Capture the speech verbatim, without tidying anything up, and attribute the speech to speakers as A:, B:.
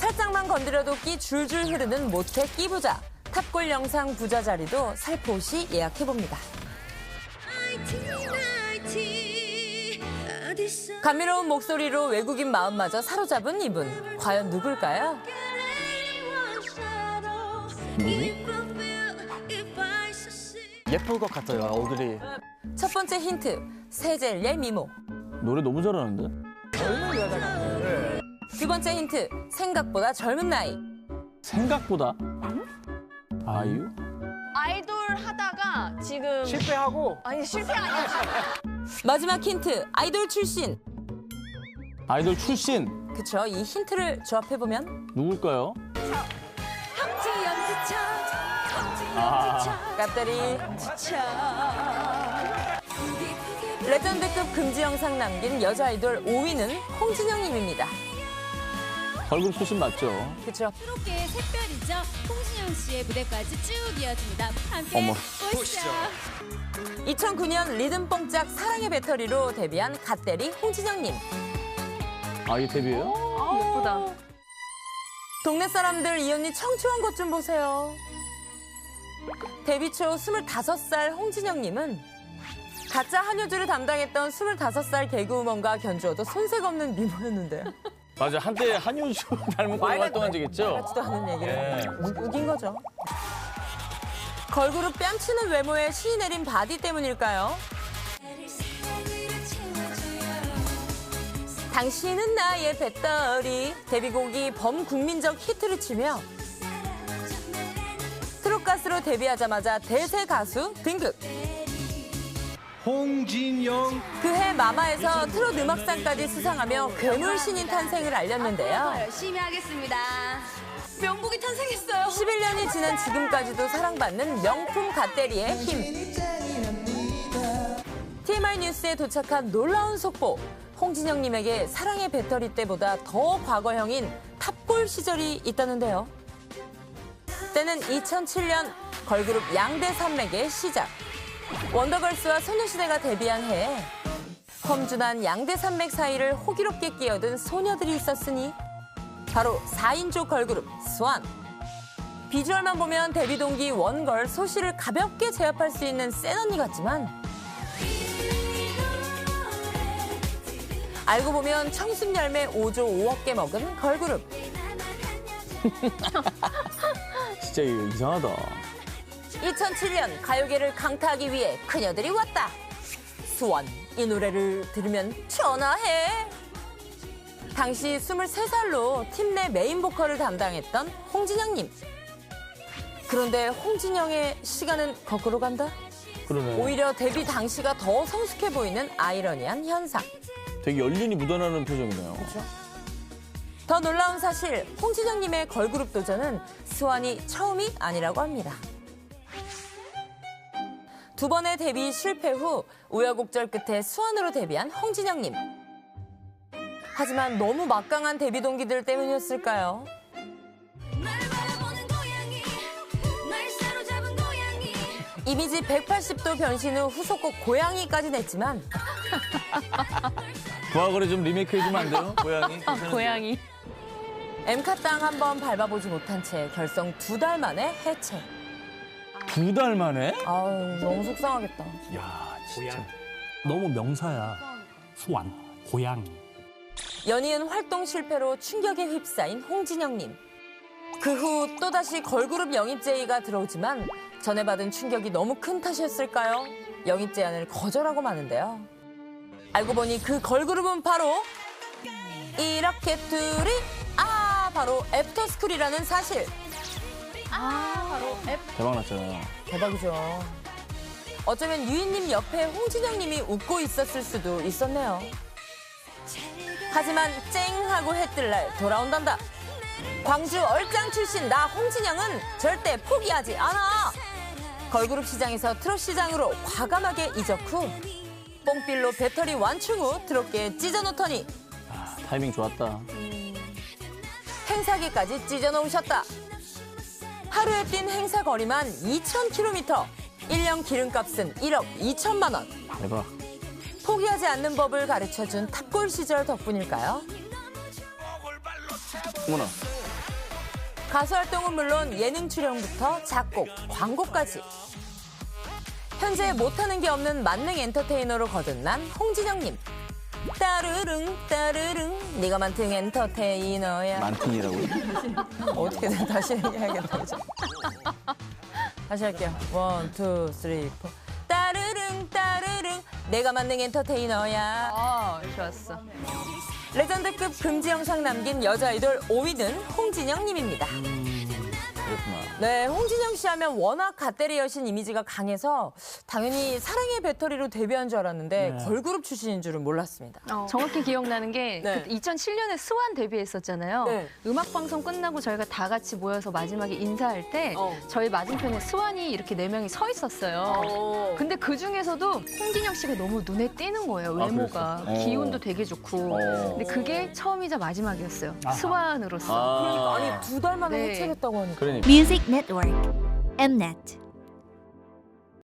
A: 살짝만 건드려도 끼 줄줄 흐르는 모태 끼부자. 탑골 영상 부자 자리도 살포시 예약해봅니다. 감미로운 목소리로 외국인 마음마저 사로잡은 이분. 과연 누굴까요?
B: 예쁠 것 같아요, 얼굴이.
A: 첫 번째 힌트, 세젤리의 미모.
B: 노래 너무 잘하는데?
A: 젊은 여자 같아요. 두 번째 힌트, 생각보다 젊은 나이.
B: 생각보다? 아이유?
C: 아이돌 하다가 지금
D: 실패하고
C: 아니 실패 아니야.
A: 마지막 힌트, 아이돌 출신.
B: 아이돌 출신.
A: 그쵸, 이 힌트를 조합해보면
B: 누굴까요? 아,
A: 깝다리. 레전드급 금지 영상 남긴 여자 아이돌 오 위는 홍진영님입니다.
B: 걸그룹 출신 맞죠?
A: 그쵸.
E: 새롭게 샛별이죠. 홍진영 씨의 무대까지 쭉 이어집니다. 함께
B: 어머.
E: 보시죠.
A: 이천구 년 리듬뽕짝 사랑의 배터리로 데뷔한 갓데리 홍진영님.
B: 아, 이게 데뷔예요?
C: 예쁘다.
A: 동네 사람들 이 언니 청초한 것 좀 보세요. 데뷔 초 스물다섯 살 홍진영님은 가짜 한효주를 담당했던 스물다섯 살 개그우먼과 견주어도 손색 없는 미모였는데요.
B: 맞아, 한때 한효주 닮은 걸로 활동한 적 있죠?
A: 같지도 않은 얘기를.
B: 네.
A: 우- 우긴 거죠. 걸그룹 뺨치는 외모에 신이 내린 바디 때문일까요? 당신은 나의 배터리. 데뷔곡이 범국민적 히트를 치며 트롯 가수로 데뷔하자마자 대세 가수 등극.
D: 홍진영
A: 그해 마마에서 트롯 음악상까지 수상하며 괴물 신인 탄생을 알렸는데요.
C: 열심히 하겠습니다. 명곡이 탄생했어요.
A: 십일 년이 지난 지금까지도 사랑받는 명품 갓데리의 힘. 티엠아이 뉴스에 도착한 놀라운 속보. 홍진영님에게 사랑의 배터리 때보다 더 과거형인 탑골 시절이 있다는데요. 때는 이천칠 년 걸그룹 양대 산맥의 시작. 원더걸스와 소녀시대가 데뷔한 해에 험준한 양대 산맥 사이를 호기롭게 끼어든 소녀들이 있었으니 바로 사 인조 걸그룹 스완. 비주얼만 보면 데뷔 동기 원걸 소시를 가볍게 제압할 수 있는 센 언니 같지만 알고 보면 청순 열매 오조 오억 개 먹은 걸그룹.
B: 진짜 이거 이상하다.
A: 이천칠 년 가요계를 강타하기 위해 그녀들이 왔다. 스완, 이 노래를 들으면 전화해. 당시 스물세 살로 팀 내 메인 보컬을 담당했던 홍진영님. 그런데 홍진영의 시간은 거꾸로 간다?
B: 그러네.
A: 오히려 데뷔 당시가 더 성숙해 보이는 아이러니한 현상.
B: 되게 연륜이 묻어나는 표정이네요.
A: 더 놀라운 사실, 홍진영님의 걸그룹 도전은 스완이 처음이 아니라고 합니다. 두 번의 데뷔 실패 후 우여곡절 끝에 스완으로 데뷔한 홍진영님. 하지만 너무 막강한 데뷔 동기들 때문이었을까요? 이미지 백팔십 도 변신 후 후속곡 고양이까지 냈지만
B: 부하거리 좀 리메이크 해주면 안 돼요? 고양이?
C: 고양이.
A: 엠카 땅 한 번 밟아보지 못한 채 결성 두 달 만에 해체.
B: 두 달 만에?
A: 아우, 너무 속상하겠다.
B: 야, 진짜.
F: 너무 명사야. 수완, 고양이.
A: 연이은 활동 실패로 충격에 휩싸인 홍진영님. 그 후 또다시 걸그룹 영입 제의가 들어오지만 전에 받은 충격이 너무 큰 탓이었을까요? 영입 제안을 거절하고 마는데요. 알고 보니 그 걸그룹은 바로 이렇게 둘이 아 바로 애프터스쿨이라는 사실.
C: 아 바로 앱.
B: 대박 났잖아요.
A: 대박이죠. 어쩌면 유인님 옆에 홍진영님이 웃고 있었을 수도 있었네요. 하지만 쨍 하고 해 뜰 날 돌아온단다. 광주 얼짱 출신 나 홍진영은 절대 포기하지 않아. 걸그룹 시장에서 트롯 시장으로 과감하게 이적 후 뽕필로 배터리 완충 후 트롯계에 찢어놓더니
B: 아, 타이밍 좋았다.
A: 행사기까지 찢어놓으셨다. 하루에 뛴 행사 거리만 이천 킬로미터. 일 년 기름값은 일억 이천만 원.
B: 대박.
A: 포기하지 않는 법을 가르쳐준 탑골 시절 덕분일까요?
B: 어머나.
A: 가수 활동은 물론 예능 출연부터 작곡, 광고까지. 현재 못하는 게 없는 만능 엔터테이너로 거듭난 홍진영님. 따르릉 따르릉 네가 만능 엔터테이너야.
B: 만팅이라고요?
A: 어떻게든 다시 얘기해야겠다. 그죠? 다시 할게요. 원, 투, 쓰리, 포. 따르릉 따르릉 내가 만능 엔터테이너야.
C: 아, 좋았어.
A: 레전드급 금지 영상 남긴 여자 아이돌 오 위는 홍진영 님입니다.
B: 그렇구나.
A: 네, 홍진영 씨 하면 워낙 갓데리 여신 이미지가 강해서 당연히 사랑의 배터리로 데뷔한 줄 알았는데
F: 네.
A: 걸그룹 출신인 줄은 몰랐습니다.
C: 정확히 기억나는 게
A: 네.
C: 그 이천칠 년에 스완 데뷔했었잖아요.
A: 네.
C: 음악 방송 끝나고 저희가 다 같이 모여서 마지막에 인사할 때
A: 어.
C: 저희 맞은편에 스완이 이렇게 네 명이 서 있었어요.
A: 어.
C: 근데 그 중에서도 홍진영 씨가 너무 눈에 띄는 거예요. 외모가.
B: 그랬어요? 어.
C: 기운도 되게 좋고.
B: 어.
C: 근데 그게 처음이자 마지막이었어요.
F: 아하.
C: 스완으로서.
B: 아.
A: 아니 두 달 만에
C: 네.
A: 해체했다고 하니까.
B: 그러니까.
D: Music Network, Mnet.